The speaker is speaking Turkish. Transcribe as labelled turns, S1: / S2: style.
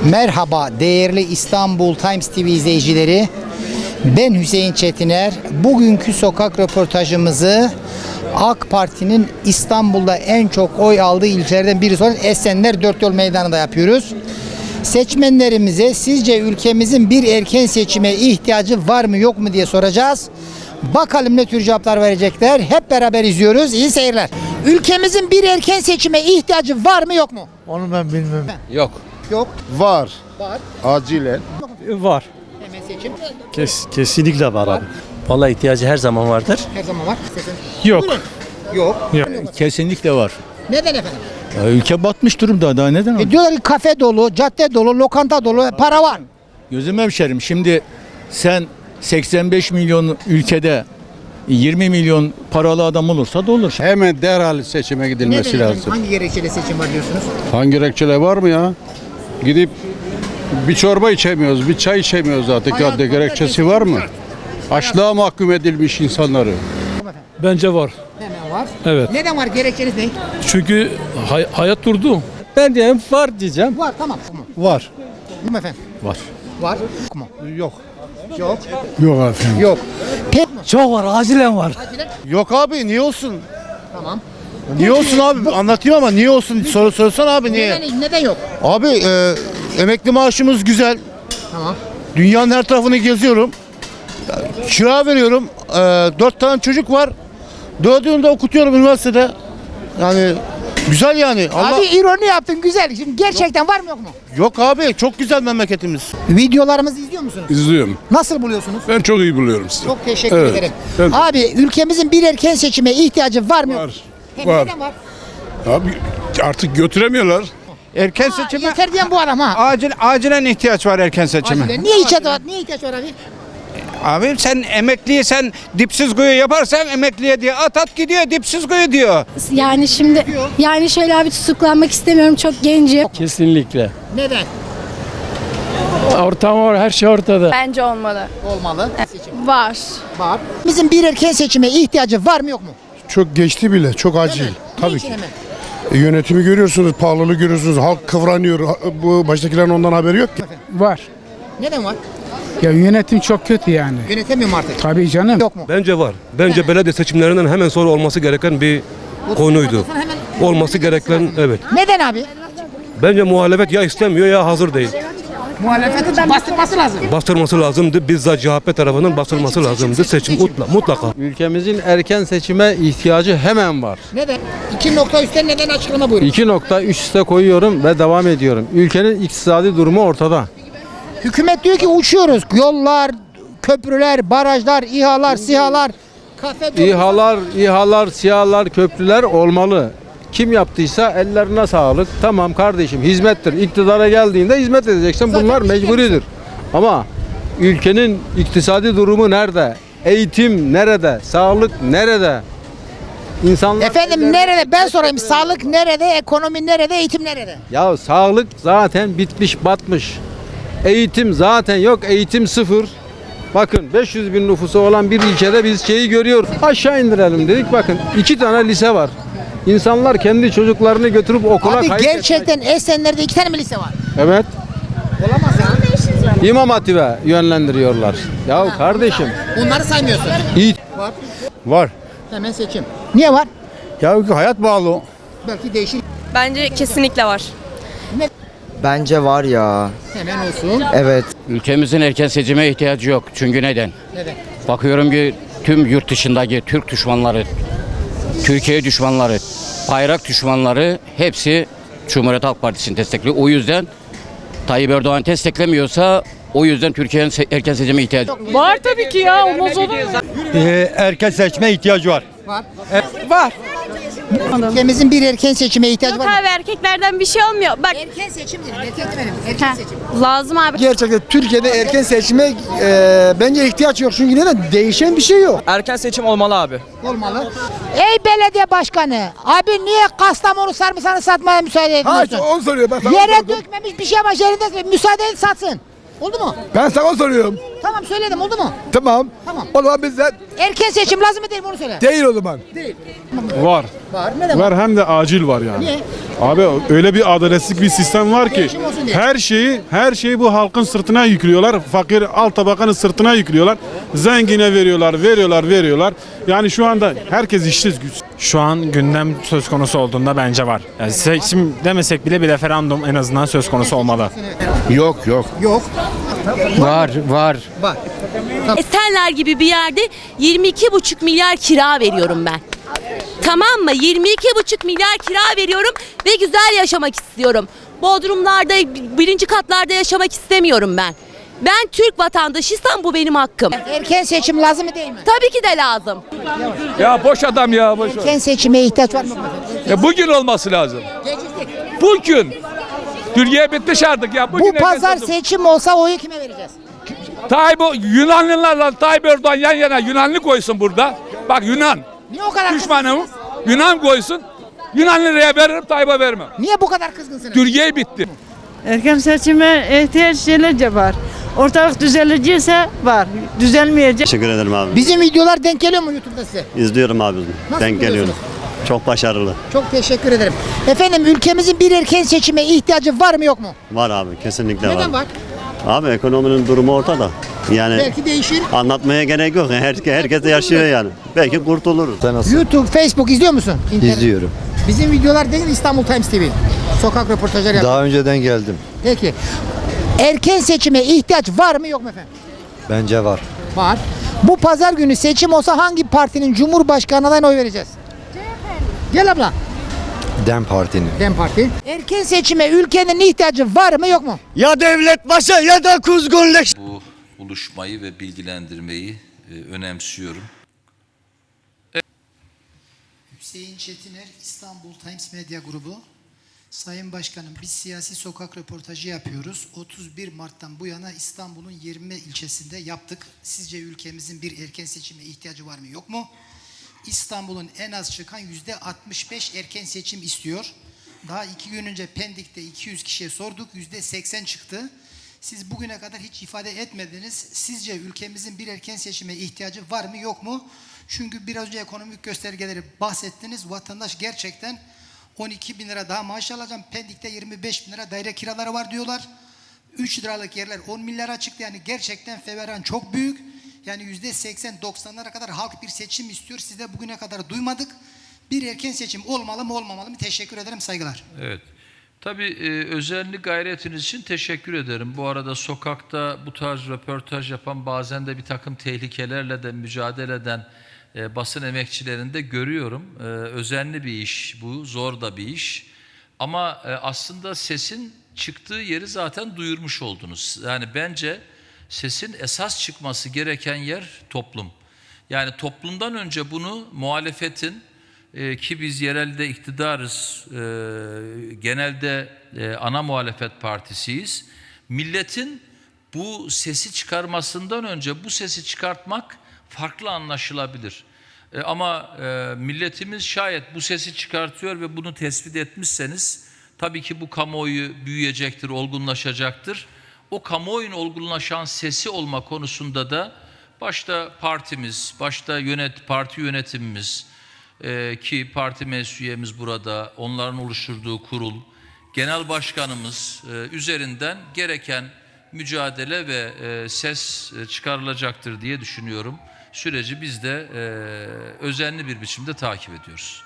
S1: Merhaba değerli İstanbul Times TV izleyicileri. Ben Hüseyin Çetiner. Bugünkü sokak röportajımızı AK Parti'nin İstanbul'da en çok oy aldığı ilçelerden birisi olan Esenler Dörtyol Meydanı'nda yapıyoruz. Seçmenlerimize sizce ülkemizin bir erken seçime ihtiyacı var mı yok mu diye soracağız. Bakalım ne tür cevaplar verecekler. Hep beraber izliyoruz. İyi seyirler. Ülkemizin bir erken seçime ihtiyacı var mı yok mu?
S2: Onu ben bilmem.
S3: Yok.
S1: Yok.
S2: Var.
S1: Var.
S2: Acilen.
S4: Var.
S1: Hemen seçim.
S4: Kesinlikle var abi.
S3: Vallahi ihtiyacı her zaman vardır.
S1: Her zaman var. Seçim.
S4: Yok.
S1: Yok.
S5: Kesinlikle var.
S1: Neden efendim?
S5: Ya ülke batmış durumda, daha neden?
S1: Diyorlar ki kafe dolu, cadde dolu, lokanta dolu, para var.
S5: Gözüm hemşerim, şimdi sen 85 milyon ülkede 20 milyon paralı adam olursa da olur.
S2: Hemen derhal seçime gidilmesi
S1: Neden efendim?
S2: lazım.
S1: Hangi gerekçeyle seçim var diyorsunuz?
S2: Hangi gerekçeler var mı ya? Gidip bir çorba içemiyoruz, bir çay içemiyoruz artık.
S1: Hayat
S2: Ya gerekçesi var mı? Açlığa mahkum edilmiş insanları.
S4: Bence var.
S1: Hemen var.
S4: Evet.
S1: Neden var? Gerekçeniz ne?
S4: Çünkü hayat durdu.
S6: Ben diyeyim var diyeceğim.
S1: Var, tamam.
S2: Var.
S1: Değil mi efendim?
S5: Var.
S1: Var. Mu?
S2: Yok.
S1: Yok.
S2: Yok efendim.
S1: Yok. Pek
S6: Çok var, acilen var.
S1: acilen.
S2: Yok abi, niye olsun?
S1: Tamam.
S2: Niye olsun abi? Anlatayım ama niye olsun? Sorsan abi niye?
S1: Neden yok?
S2: Abi emekli maaşımız güzel.
S1: Tamam.
S2: Dünyanın her tarafını geziyorum. Kira veriyorum. 4 tane çocuk var. 4'ünü de okutuyorum üniversitede. Yani güzel yani.
S1: Abi ironi yaptın, güzel. Şimdi gerçekten var mı yok mu?
S2: Yok abi, çok güzel memleketimiz.
S1: Videolarımızı izliyor musunuz?
S7: İzliyorum.
S1: Nasıl buluyorsunuz?
S7: Ben çok iyi buluyorum sizi.
S1: Çok teşekkür
S7: Evet,
S1: ederim.
S7: ben-
S1: Abi ülkemizin bir erken seçime ihtiyacı var mı yok mu?
S7: Var.
S1: Hem
S7: Var.
S1: neden var?
S7: Abi artık götüremiyorlar.
S8: Erken
S1: Ha,
S8: seçime
S1: yeter diyen bu adam ha.
S8: acilen ihtiyaç var erken seçime.
S1: Acilen. Niye ihtiyaç var? Niye ihtiyaç var abi?
S8: Abi sen emekliye sen dipsiz kuyu yaparsan emekliye diye at gidiyor dipsiz kuyu diyor.
S9: Yani şimdi şöyle abi tutuklanmak istemiyorum, çok gencim.
S4: Kesinlikle.
S1: Neden?
S4: Ortam var, her şey ortada.
S9: Bence olmalı.
S1: Olmalı. Seçim
S9: Var.
S1: var. Bizim bir erken seçime ihtiyacı var mı yok mu?
S10: Çok geçti bile, çok acil.
S1: Değil mi?
S10: Tabii
S1: Niçin
S10: ki.
S1: hemen?
S10: Yönetimi görüyorsunuz, pahalılığı görüyorsunuz, halk kıvranıyor. Bu baştakilerin ondan haberi yok ki.
S11: Var.
S1: Neden var?
S11: Ya yönetim çok kötü yani.
S1: Yönetemiyor mu artık?
S11: Tabii canım.
S1: Yok mu?
S7: Bence var. Bence belediye seçimlerinden hemen sonra olması gereken bir konuydu. Olması gereken, evet.
S1: Neden abi?
S7: Bence muhalefet ya istemiyor ya hazır değil.
S1: Muhalefetin bastırması lazım.
S7: Bastırması lazımdı. Bizzat CHP tarafından bastırması lazımdı. Seçim mutlaka.
S6: Ülkemizin erken seçime ihtiyacı hemen var.
S1: Neden? 2 nokta üstten neden açıklama buyurun.
S6: 2 nokta üst üste koyuyorum ve devam ediyorum. Ülkenin iktisadi durumu ortada.
S1: Hükümet diyor ki uçuyoruz. Yollar, köprüler, barajlar, İHA'lar, SİHA'lar, kafe dolu.
S6: İHA'lar, SİHA'lar, köprüler olmalı. Kim yaptıysa ellerine sağlık. Tamam kardeşim, hizmettir. İktidara geldiğinde hizmet edeceksin.
S1: Zaten
S6: Bunlar
S1: hizmet.
S6: mecburidir. Ama ülkenin iktisadi durumu nerede? Eğitim nerede? Sağlık nerede? İnsanlar
S1: Efendim nerede? Ben sorayım. Sağlık nerede? Ekonomi nerede? Eğitim nerede?
S6: Ya sağlık zaten bitmiş, batmış. Eğitim zaten yok, eğitim sıfır. Bakın 500 bin nüfusu olan bir ilçede biz şeyi görüyoruz. Aşağı indirelim dedik, bakın 2 tane lise var. İnsanlar kendi çocuklarını götürüp okula
S1: Abi
S6: kayıt
S1: gerçekten Esenler'de 2 tane mi lise var?
S6: Evet,
S1: Olamaz ya.
S6: İmam Hatip'e yönlendiriyorlar. Ya kardeşim,
S1: Bunları saymıyorsun.
S6: iyi.
S1: Var.
S2: Var.
S1: Hemen seçim. Niye var?
S2: Ya hayat bağlı.
S1: Belki değişir.
S9: Bence kesinlikle var.
S6: Bence var ya.
S1: Hemen olsun.
S6: Evet.
S3: Ülkemizin erken seçime ihtiyacı yok. Çünkü neden?
S1: Neden?
S3: Bakıyorum ki tüm yurt dışındaki Türk düşmanları, Türkiye düşmanları, bayrak düşmanları hepsi Cumhuriyet Halk Partisi'ni destekliyor. O yüzden Tayyip Erdoğan desteklemiyorsa o yüzden Türkiye'nin erken seçime ihtiyacı yok.
S9: Var tabii ki ya, olmaz olur mu?
S5: Erken seçme ihtiyacı var.
S9: Var.
S1: Ülkemizin bir erken seçime ihtiyacı var mı?
S9: Abi erkeklerden bir şey olmuyor. Bak
S1: Erken seçim dedim. Erken demedim. Erken seçim.
S9: lazım abi.
S10: Gerçekten Türkiye'de erken seçime bence ihtiyaç yok. Çünkü neden? Değişen bir şey yok.
S6: Erken seçim olmalı abi.
S1: Olmalı. Ey belediye başkanı. Abi niye Kastamonu sarımsağını satmaya müsaade etmiyorsun?
S10: Onu soruyor. Ben
S1: Yere dökmemiş bir şey ama yerinde müsaade et satsın. Oldu mu?
S11: Ben sana soruyorum.
S1: Tamam söyledim oldu mu?
S11: Tamam.
S1: Tamam.
S11: O zaman bizden
S1: Erken seçim lazım mı değil mi onu söyle.
S11: değil o zaman.
S1: Değil.
S10: Var.
S1: Var. Neden var?
S10: Var hem de acil var yani.
S1: Niye?
S10: Abi öyle bir adaletsizlik bir sistem var ki
S1: Değişim olsun diye.
S10: her şeyi bu halkın sırtına yüklüyorlar. Fakir alt tabakanın sırtına yüklüyorlar. Zengine veriyorlar. Yani şu anda herkes işsiz güç.
S12: Şu an gündem söz konusu olduğunda bence var. Yani seçim demesek bile bir referandum en azından söz konusu olmalı.
S10: Yok.
S1: Yok.
S5: Var.
S1: Var.
S9: Esenler gibi bir yerde 22,5 milyar kira veriyorum ben. Tamam mı? 22,5 milyar kira veriyorum ve güzel yaşamak istiyorum. Bodrumlarda, birinci katlarda yaşamak istemiyorum ben. Ben Türk vatandaşıysam bu benim hakkım.
S1: Erken seçim lazım mı değil mi?
S9: Tabii ki de lazım.
S6: Ya boş adam ya boş.
S1: Erken seçime ihtiyaç var mı efendim?
S6: Ya bugün olması lazım. Bugün. Türkiye bitmiş artık ya.
S1: Bu pazar seçim olsa oyu kime vereceğiz?
S6: Yunanlılarla Tayyip Erdoğan yan yana Yunanlı koysun burada. Bak Yunan.
S1: Niye o kadar
S6: Düşmanım.
S1: kızgınsınız?
S6: Yunan koysun. Yunanlıya veririm, Tayyip'e vermem.
S1: Niye bu kadar kızgınsınız?
S6: Türkiye bitti.
S9: Erken seçime ihtiyaç var. Ortalık düzelecekse var. Düzelmeyecek.
S5: Teşekkür ederim abi.
S1: Bizim videolar denk geliyor mu YouTube'da size?
S5: İzliyorum abi.
S1: Nasıl buluyorsunuz?
S5: Çok başarılı.
S1: Çok teşekkür ederim. Efendim ülkemizin bir erken seçime ihtiyacı var mı yok mu?
S5: Var abi. Kesinlikle
S1: Neden var?
S5: Abi ekonominin durumu ortada. Yani
S1: Belki değişir.
S5: anlatmaya gerek yok. Herkes de yaşıyor yani. Belki kurtuluruz.
S1: YouTube, Facebook izliyor musun? İnternet.
S11: İzliyorum.
S1: Bizim videolar değil İstanbul Times TV. Sokak röportajları yapıyor.
S11: önceden geldim.
S1: Peki. Erken seçime ihtiyaç var mı yok mu efendim?
S11: Bence var.
S1: Var. Bu pazar günü seçim olsa hangi partinin Cumhurbaşkanı adayına oy vereceğiz? Gel abla.
S11: Dem Parti'nin.
S1: Dem Parti. Erken seçime ülkenin ihtiyacı var mı yok mu?
S5: Ya devlet başa ya da kuzgunleş.
S13: Bu buluşmayı ve bilgilendirmeyi önemsiyorum.
S1: Hüseyin Çetiner, İstanbul Times Medya Grubu. Sayın Başkanım, biz siyasi sokak röportajı yapıyoruz. 31 Mart'tan bu yana İstanbul'un 20 ilçesinde yaptık. Sizce ülkemizin bir erken seçime ihtiyacı var mı yok mu? İstanbul'un en az çıkan %65 erken seçim istiyor. Daha 2 gün önce Pendik'te 200 kişiye sorduk, %80 çıktı. Siz bugüne kadar hiç ifade etmediniz. Sizce ülkemizin bir erken seçime ihtiyacı var mı yok mu? Çünkü biraz önce ekonomik göstergeleri bahsettiniz. Vatandaş gerçekten 12 bin lira daha maaş alacağım. Pendik'te 25 bin lira daire kiraları var diyorlar. 3 liralık yerler 10 milyara çıktı. Yani gerçekten feveran çok büyük. Yani %80-90'lara kadar halk bir seçim istiyor. Siz de bugüne kadar duymadık. Bir erken seçim olmalı mı olmamalı mı? Teşekkür ederim, saygılar.
S13: Evet. Tabii özenli gayretiniz için teşekkür ederim. Bu arada sokakta bu tarz röportaj yapan, bazen de bir takım tehlikelerle de mücadele eden basın emekçilerini de görüyorum. Özenli bir iş bu, zor da bir iş. Ama aslında sesin çıktığı yeri zaten duyurmuş oldunuz. Yani bence sesin esas çıkması gereken yer toplum. Yani toplumdan önce bunu muhalefetin, ki biz yerelde iktidarız, genelde ana muhalefet partisiyiz. Milletin bu sesi çıkarmasından önce bu sesi çıkartmak farklı anlaşılabilir. Ama milletimiz şayet bu sesi çıkartıyor ve bunu tespit etmişseniz tabii ki bu kamuoyu büyüyecektir, olgunlaşacaktır. O kamuoyunun olgunlaşan sesi olma konusunda da başta partimiz, başta parti yönetimimiz, ki parti meclis üyemiz burada, onların oluşturduğu kurul, genel başkanımız üzerinden gereken mücadele ve ses çıkarılacaktır diye düşünüyorum. Süreci biz de özenli bir biçimde takip ediyoruz.